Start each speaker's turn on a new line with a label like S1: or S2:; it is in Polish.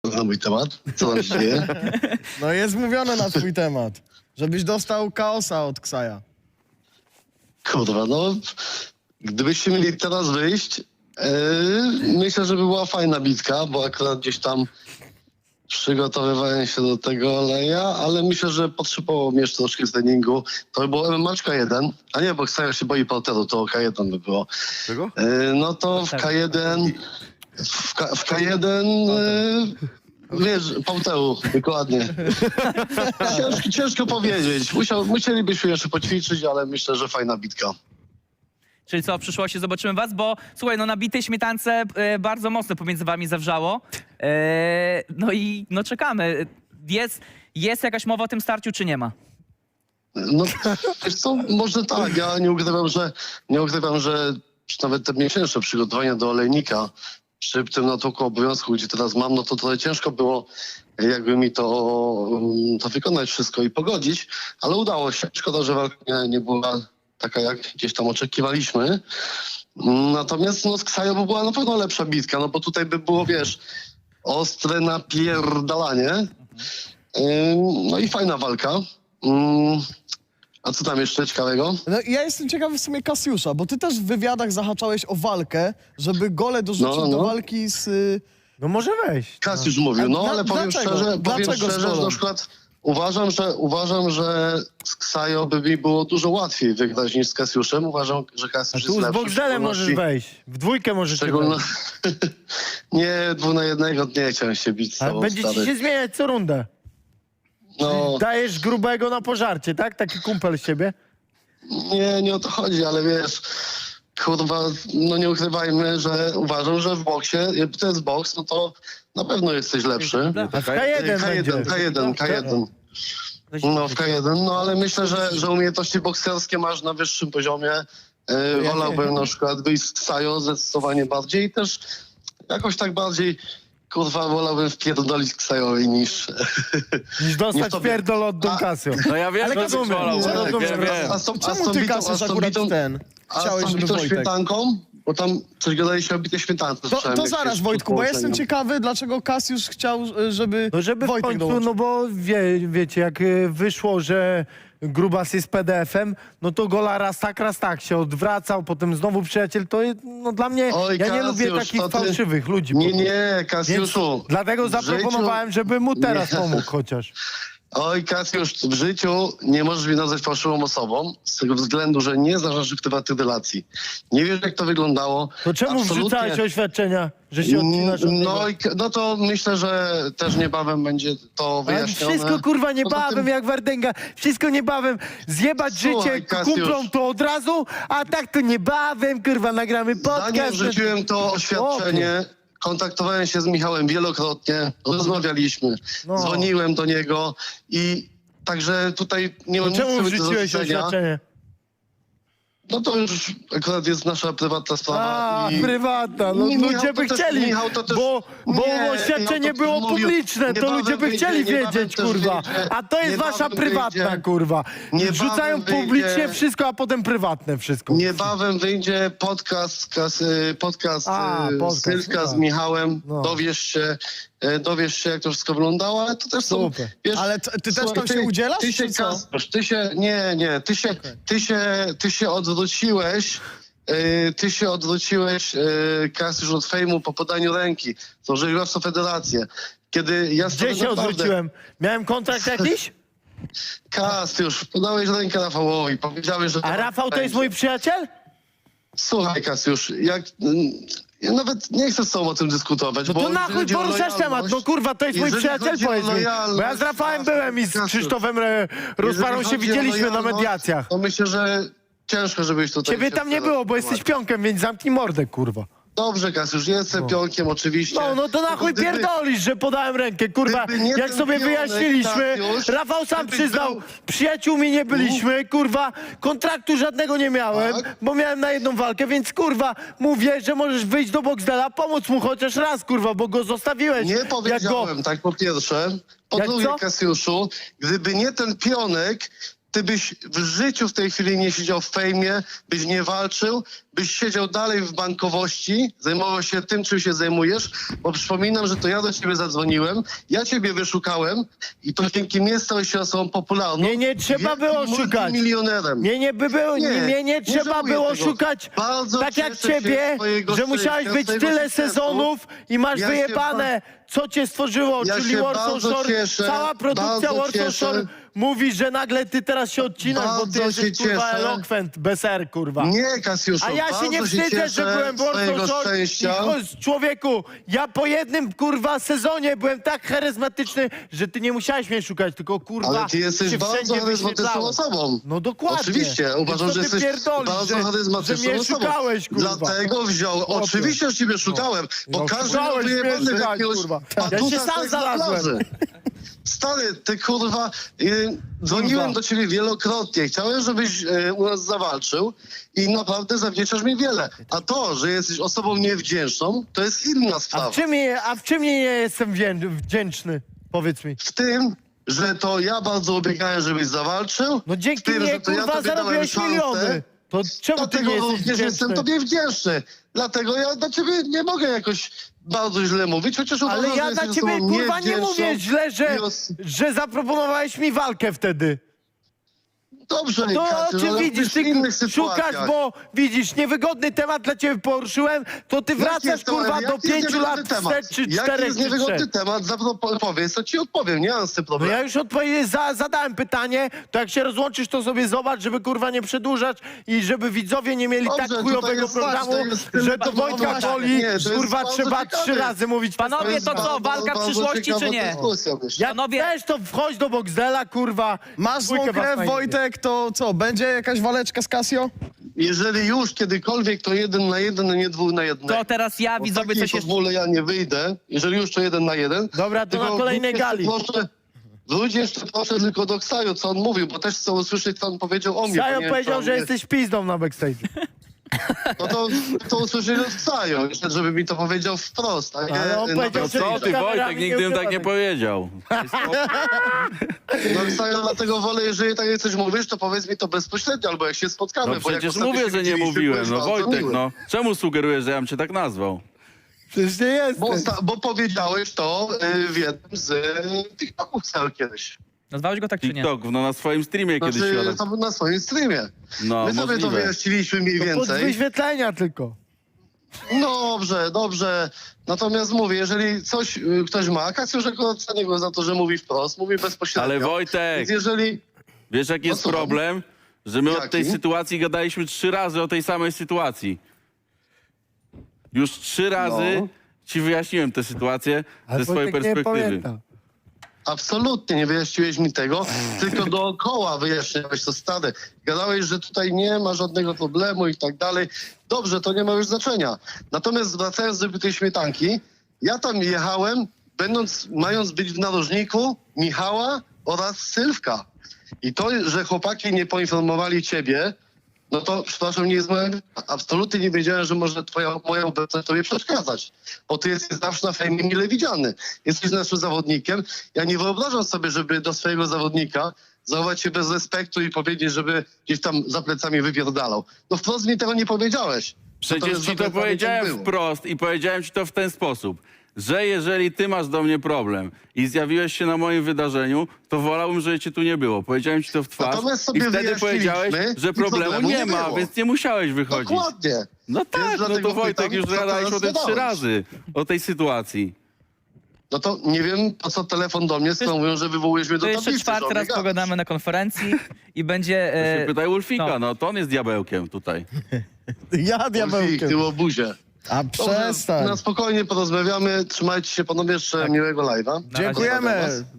S1: na mój temat. Co tam się dzieje?
S2: No jest mówione na twój temat. Żebyś dostał chaosa od Ksaja.
S1: Kurwa, no... Gdybyście mieli teraz wyjść, myślę, że by była fajna bitka, bo akurat gdzieś tam przygotowywałem się do tego oleja, ale myślę, że potrzebowało mi jeszcze troszkę treningu. To by było MMA 1, a nie, bo Ksaja się boi porteru, to K1 by było.
S3: Czego?
S1: No to w K1... W K1... Wiesz, porteru, dokładnie. Ciężko powiedzieć. Musielibyśmy jeszcze poćwiczyć, ale myślę, że fajna bitka.
S4: Czyli co, w przyszłości zobaczymy was, bo słuchaj, no na bitej śmietance bardzo mocno pomiędzy wami zawrzało. No i no czekamy. Jest jakaś mowa o tym starciu, czy nie ma?
S1: No, wiesz co, może tak. Ja nie ukrywam, że nawet te miesięczne przygotowania do olejnika przy tym natłoku obowiązku, gdzie teraz mam, no to trochę ciężko było jakby mi to wykonać wszystko i pogodzić, ale udało się. Szkoda, że walka nie była taka, jak gdzieś tam oczekiwaliśmy. Natomiast no, z Ksajo była na pewno lepsza bitka, no bo tutaj by było, wiesz, ostre napierdalanie. No i fajna walka. A co tam jeszcze ciekawego?
S2: No ja jestem ciekawy w sumie Kasiusza, bo ty też w wywiadach zahaczałeś o walkę, żeby Gole dorzucił do walki z...
S5: No może wejść.
S1: Kasiusz mówił, no ale powiem
S2: dlaczego?
S1: szczerze,
S2: Dlaczego
S1: że na przykład uważam, że z Ksajo by mi było dużo łatwiej wygrać niż z Kasiuszem. Uważam, że Kasiusz
S5: A
S1: jest
S5: tu z
S1: lepszy.
S5: Boxdelem możesz wejść. W dwójkę możecie wejść.
S1: Nie, 2 na 1 nie chciałem się bić z
S5: A
S1: tobą,
S5: będzie ci
S1: stary.
S5: się zmieniać co rundę.
S1: No,
S5: Dajesz grubego na pożarcie, tak? Taki kumpel z siebie?
S1: nie o to chodzi, ale wiesz, kurwa, no nie ukrywajmy, że uważam, że w boksie, jakby to jest boks, no to na pewno jesteś lepszy.
S5: A w K1 będzie.
S1: K1. No w K1, no ale myślę, że umiejętności bokserskie masz na wyższym poziomie. Wolałbym na przykład wyjść z Ksajo zdecydowanie bardziej i też jakoś tak bardziej, kurwa, wolałbym wpierdolić Ksajowi niż...
S5: Niż dostać
S1: tobie.
S5: pierdol od Don Casio.
S3: No ja wiem,
S2: Ale
S3: że
S2: rozumiem,
S3: wolał,
S2: że
S3: Wojtek,
S2: rozumiem.
S3: wiem.
S2: Czemu ty, Kasiusz, akurat chciałeś, żeby Wojtek...
S1: śmietanką? Bo tam coś gadaliście o bitej śmietance.
S2: To zaraz, Wojtku, bo jestem ciekawy, dlaczego Kasiusz chciał, żeby,
S5: No żeby w
S2: Wojtek
S5: końcu,
S2: dołączył.
S5: no bo wiecie, jak wyszło, że Grubas jest PDF-em, no to Gola raz tak się odwracał, potem znowu przyjaciel, to no dla mnie,
S1: Oj,
S5: ja nie lubię
S1: Kasiusz,
S5: takich
S1: to ty-
S5: fałszywych ludzi.
S1: Nie, Kasiuszu.
S5: Dlatego
S1: w życiu-
S5: zaproponowałem, żeby mu teraz
S1: Nie.
S5: pomógł chociaż.
S1: Oj, Kasiusz, w życiu nie możesz mnie nazwać fałszywą osobą, z tego względu, że nie znasz naszych prywatnych relacji. Nie wiesz, jak to wyglądało.
S5: To czemu
S1: Absolutnie.
S5: wrzucałeś oświadczenia, że się odcinasz od niego?
S1: No to myślę, że też niebawem będzie to
S5: Ale
S1: wyjaśnione.
S5: wszystko kurwa
S1: Poza
S5: niebawem,
S1: tym-
S5: jak Wardęga. Wszystko niebawem. Zjebać
S1: Słuchaj,
S5: życie
S1: Kasiusz.
S5: kumplom to od razu, a tak to niebawem, kurwa, nagramy
S1: Zanim
S5: podcast.
S1: wrzuciłem to oświadczenie, kontaktowałem się z Michałem wielokrotnie, rozmawialiśmy,
S5: No.
S1: dzwoniłem do niego i także tutaj nie mam
S5: To
S1: nic
S5: czemu
S1: sobie do
S5: wrzuciłeś
S1: zarzucenia.
S5: oświadczenie?
S1: No to już akurat jest nasza prywatna sprawa.
S5: A,
S1: i...
S5: prywatna, no
S1: Michał,
S5: ludzie by
S1: to też-
S5: chcieli,
S1: Michał, to też-
S5: bo
S1: Nie,
S5: oświadczenie
S1: Michał to
S5: było
S1: mówił,
S5: publiczne, to
S1: niebawem
S5: ludzie by
S1: wyjdzie,
S5: chcieli
S1: niebawem
S5: wiedzieć,
S1: też
S5: kurwa.
S1: wyjdzie,
S5: A to jest wasza
S1: niebawem
S5: prywatna,
S1: wyjdzie,
S5: kurwa.
S1: niebawem
S5: Wrzucają
S1: wyjdzie.
S5: publicznie wszystko, a potem prywatne wszystko.
S1: Niebawem wyjdzie podcast Sylwka z
S5: tak.
S1: Michałem.
S5: No.
S1: Dowiesz się, jak to wszystko wyglądało, ale to też są...
S5: Super.
S1: Wiesz,
S2: Ale ty też
S1: słuchaj,
S2: tam się udzielasz,
S1: Ty się,
S2: czy co?
S1: Kasiusz, ty się odwróciłeś. Ty się odwróciłeś, Kasiusz, od fejmu po podaniu ręki. Złożyłeś w Federację. Kiedy ja
S5: Gdzie się odwróciłem? Miałem kontrakt jakiś?
S1: Kasiusz, podałeś rękę Rafałowi, powiedziałeś, że...
S5: A Rafał to jest mój przyjaciel?
S1: Słuchaj, Kasiusz, ja nawet nie chcę z tobą o tym dyskutować,
S5: No
S1: bo
S5: to na
S1: jeżeli
S5: chuj
S1: chodzi o
S5: poruszasz temat,
S1: lojalność-
S5: no kurwa, to jest mój
S1: jeżeli
S5: przyjaciel,
S1: chodzi o
S5: powiedz mi. Bo ja z
S1: lojalność,
S5: Rafałem byłem i z
S1: Kasiusz,
S5: Krzysztofem
S1: jeżeli
S5: Rozparą się
S1: chodzi o
S5: widzieliśmy na
S1: lojalność,
S5: mediacjach.
S1: To myślę, że ciężko, żebyś tutaj...
S5: Ciebie
S1: się
S5: tam nie
S1: wpierał
S5: było,
S1: w
S5: bo
S1: temat.
S5: jesteś pionkiem, więc zamknij mordę, kurwa.
S1: Dobrze, Kasiusz, jestem pionkiem oczywiście.
S5: No to na chuj
S1: Gdyby-
S5: pierdolisz, że podałem rękę, kurwa.
S1: gdyby nie
S5: Jak
S1: ten
S5: sobie
S1: pionek,
S5: wyjaśniliśmy,
S1: Kasiusz,
S5: Rafał sam
S1: gdybyś
S5: przyznał,
S1: był-
S5: przyjaciółmi nie byliśmy, kurwa, kontraktu żadnego nie miałem,
S1: Tak.
S5: bo miałem na jedną walkę, więc kurwa, mówię, że możesz wyjść do Boxdela, pomóc mu chociaż raz, kurwa, bo go zostawiłeś.
S1: Nie
S5: Jak go...
S1: powiedziałem tak, po pierwsze. Po
S5: Jak
S1: drugie,
S5: co?
S1: Kasiuszu, gdyby nie ten pionek, ty byś w życiu w tej chwili nie siedział w fejmie, byś nie walczył, byś siedział dalej w bankowości, zajmował się tym, czym się zajmujesz, bo przypominam, że to ja do ciebie zadzwoniłem, ja ciebie wyszukałem i to dzięki mnie stałeś się osobą popularną.
S5: Mnie nie trzeba
S1: wielkim
S5: było szukać.
S1: multimilionerem.
S5: Mnie nie trzeba
S1: żałuję
S5: było
S1: tego.
S5: szukać
S1: Bardzo
S5: tak jak
S1: cieszę się
S5: ciebie,
S1: z twojego
S5: że musiałeś
S1: szczęścia,
S5: być
S1: z twojego
S5: tyle
S1: sukcesu.
S5: sezonów i masz
S1: Ja się
S5: wyjebane, co cię stworzyło,
S1: Ja
S5: czyli
S1: się
S5: Warsaw
S1: bardzo
S5: Shore,
S1: cieszę,
S5: cała produkcja
S1: bardzo
S5: Warsaw
S1: cieszę.
S5: Shore mówi, że nagle ty teraz się odcinasz, bo ty
S1: Bardzo
S5: jesteś
S1: się
S5: kurwa
S1: cieszę.
S5: elokwent, bez R, kurwa.
S1: Nie, Kasiuszu,
S5: A ja się
S1: bardzo
S5: nie wstydzę,
S1: cieszę
S5: że byłem w
S1: z twojego
S5: Warsaw Shore
S1: szczęścia.
S5: i człowieku, ja po jednym kurwa sezonie byłem tak charyzmatyczny, że ty nie musiałeś mnie szukać, tylko kurwa
S1: Ale ty jesteś
S5: się
S1: bardzo
S5: wszędzie
S1: charyzmatyczną
S5: wyświetlałem.
S1: osobą.
S5: No dokładnie.
S1: Oczywiście, uważam,
S5: Co
S1: że
S5: ty
S1: jesteś
S5: pierdolisz,
S1: bardzo
S5: że
S1: charyzmatyczną
S5: mnie
S1: osobą.
S5: szukałeś, kurwa.
S1: Dlatego wziąłem,
S5: Chłopie.
S1: oczywiście, że ciebie szukałem, bo
S5: No,
S1: każdy miał
S5: szukałeś mnie
S1: wyjebany
S5: szukać,
S1: jakiegoś
S5: kurwa.
S1: patusa
S5: Ja się sam
S1: seks na
S5: znalazłem.
S1: plaży. Stary, ty kurwa, dzwoniłem
S5: Kurwa.
S1: do ciebie wielokrotnie, chciałem, żebyś u nas zawalczył i naprawdę zawdzięczasz mi wiele. A to, że jesteś osobą niewdzięczną, to jest inna
S5: A
S1: sprawa.
S5: w czym nie jestem wdzięczny? Powiedz mi.
S1: W tym, że to ja bardzo ubiegałem, żebyś zawalczył.
S5: No
S1: w
S5: dzięki
S1: tym,
S5: mnie,
S1: że to ja
S5: kurwa,
S1: tobie dałem
S5: zarobiłeś
S1: szansę.
S5: miliony. To czemu ty
S1: Dlatego
S5: nie jesteś
S1: również jestem
S5: wdzięczny?
S1: tobie wdzięczny. Dlatego ja dla ciebie nie mogę jakoś bardzo źle mówić, chociaż uważam,
S5: Ale
S1: że
S5: ja
S1: jesteś
S5: na ciebie,
S1: osobą
S5: kurwa, nie
S1: niewdzięczną
S5: mówię źle, że zaproponowałeś mi walkę wtedy.
S1: Dobrze,
S5: To
S1: Kasiu,
S5: o czym
S1: ale
S5: widzisz?
S1: w
S5: Ty
S1: innych
S5: szukasz,
S1: sytuacjach.
S5: bo widzisz, niewygodny temat dla ciebie poruszyłem, to ty
S1: Jaki
S5: wracasz,
S1: jest to-
S5: kurwa,
S1: jaki
S5: do
S1: jest
S5: 5
S1: niewygodny
S5: lat
S1: temat?
S5: wstecz, czy
S1: Jaki
S5: 4,
S1: jest
S5: czy
S1: niewygodny
S5: 3.
S1: temat? Powiedz, to ci odpowiem, nie mam z tym
S5: No
S1: problemu.
S5: ja już zadałem pytanie, to jak się rozłączysz, to sobie zobacz, żeby kurwa nie przedłużać i żeby widzowie nie mieli
S1: Dobrze,
S5: tak
S1: tutaj
S5: chujowego
S1: jest
S5: programu,
S1: ważne, jest tyle
S5: że to
S1: tematu.
S5: Wojtka boli,
S1: Nie, to jest
S5: kurwa,
S1: bardzo
S5: trzeba
S1: ciekawe.
S5: 3 razy mówić.
S4: Panowie,
S1: jest
S4: to co,
S1: bardzo-
S4: walka
S1: bardzo
S4: przyszłości,
S1: ciekawa
S4: czy nie?
S1: dyskusja, myślę.
S5: Jak
S4: Panowie-
S5: chcesz, to wchodź do Boxdela, kurwa.
S2: Masz złą
S5: dwójkę was
S2: krew,
S5: znajdzie.
S2: Wojtek, to co, będzie jakaś waleczka z Casio?
S1: Jeżeli już kiedykolwiek, to 1 na 1, a nie 2 na 1.
S4: To teraz ja, widzowie, coś jeszcze...
S1: W ogóle ja nie wyjdę, jeżeli już to 1 na 1.
S5: Dobra, to
S1: Tylko
S5: na kolejnej gali.
S1: Wróć jeszcze proszę tylko do Ksaju, co on mówił, bo też chcę usłyszeć, co on powiedział o mnie.
S5: Sajo
S1: bo nie wiem,
S5: powiedział,
S1: co on
S5: że
S1: mnie-
S5: jesteś pizdą na backstage.
S1: No to usłyszeli od Ksaju, jeszcze żeby mi to powiedział wprost. A nie
S5: Ale on
S1: na
S5: powiedział,
S1: backstage.
S5: że-
S3: Co ty,
S5: kamerami
S3: Wojtek,
S5: nie
S3: nigdy bym tak
S5: ukrywamy.
S3: nie powiedział.
S1: No Ksaju, dlatego wolę, jeżeli tak jak coś mówisz, to powiedz mi to bezpośrednio, albo jak się spotkamy.
S3: No
S1: bo jak
S3: przecież
S1: ostatnio
S3: mówię,
S1: się
S3: że nie
S1: widzieliśmy,
S3: mówiłem.
S1: byłeś
S3: No
S1: bardzo
S3: Wojtek,
S1: miły.
S3: no. Czemu sugerujesz, że ja bym cię tak nazwał?
S5: Przecież nie jesteś.
S1: Bo powiedziałeś to w jednym z TikToków Ksaju kiedyś.
S4: Nazwałeś go tak, czy nie?
S3: TikTok, no na swoim streamie kiedyś
S1: Znaczy,
S3: świadek.
S1: to na swoim streamie.
S3: No,
S1: My sobie to
S3: możliwe.
S1: wyjaśniliśmy mniej
S5: Pod
S1: więcej.
S5: wyświetlenia tylko.
S1: Dobrze, dobrze. Natomiast mówię, jeżeli coś ktoś ma, Kasiusz akurat cenię go za to, że mówi wprost, mówi bezpośrednio.
S3: Ale Wojtek,
S1: Więc jeżeli...
S3: wiesz jaki jest
S1: No co?
S3: problem? Że my od tej
S1: Jaki?
S3: sytuacji gadaliśmy 3 razy o tej samej sytuacji. Już 3 razy
S1: No.
S3: ci wyjaśniłem tę sytuację
S5: Ale
S3: ze swojej
S5: Wojtek nie
S3: perspektywy.
S5: pamięta.
S1: Absolutnie nie wyjaśniłeś mi tego, tylko dookoła wyjaśniałeś to stary. Gadałeś, że tutaj nie ma żadnego problemu i tak dalej. Dobrze, to nie ma już znaczenia. Natomiast wracając do tej śmietanki, ja tam jechałem, mając być w narożniku Michała oraz Sylwka. I to, że chłopaki nie poinformowali ciebie, no to, przepraszam, nie jest moja... Absolutnie nie wiedziałem, że może moja obecność tobie przeszkadzać. Bo ty jesteś zawsze na fejmie mile widziany. Jesteś naszym zawodnikiem. Ja nie wyobrażam sobie, żeby do swojego zawodnika zachować się bez respektu i powiedzieć, żeby gdzieś tam za plecami wypierdalał. No wprost mi tego nie powiedziałeś.
S3: Przecież
S1: Natomiast
S3: ci
S1: za
S3: to
S1: plecami
S3: powiedziałem
S1: tak było.
S3: wprost i powiedziałem ci to w ten sposób, że jeżeli ty masz do mnie problem i zjawiłeś się na moim wydarzeniu, to wolałbym, żeby cię tu nie było. Powiedziałem ci to w twarz
S1: Natomiast
S3: i
S1: sobie
S3: wtedy
S1: wyjaśniliśmy
S3: powiedziałeś, że
S1: i
S3: problemu
S1: problemu
S3: nie
S1: nie
S3: ma,
S1: było.
S3: więc nie musiałeś wychodzić.
S1: Dokładnie.
S3: No tak, no
S1: dlatego
S3: to Wojtek,
S1: pytam,
S3: już
S1: co
S3: gadaliśmy o tym
S1: teraz
S3: 3
S1: zadałeś.
S3: razy, o tej sytuacji.
S1: No to nie wiem, po co telefon do mnie, skoro mówią, że wywołujesz mnie
S4: To
S1: do
S4: jeszcze
S1: tablicy.
S4: czwarty
S1: że
S4: raz
S1: obiegałeś.
S4: pogadamy na konferencji i będzie...
S3: Się pytaj Ulfika,
S4: no.
S3: no to on jest diabełkiem tutaj.
S2: Ja
S1: Ulfik,
S2: diabełkiem.
S1: ty łobuzie.
S2: A
S1: Dobrze,
S2: przestań.
S1: na spokojnie porozmawiamy. Trzymajcie się panowie, jeszcze miłego live'a.
S4: Na razie.
S2: Dziękujemy.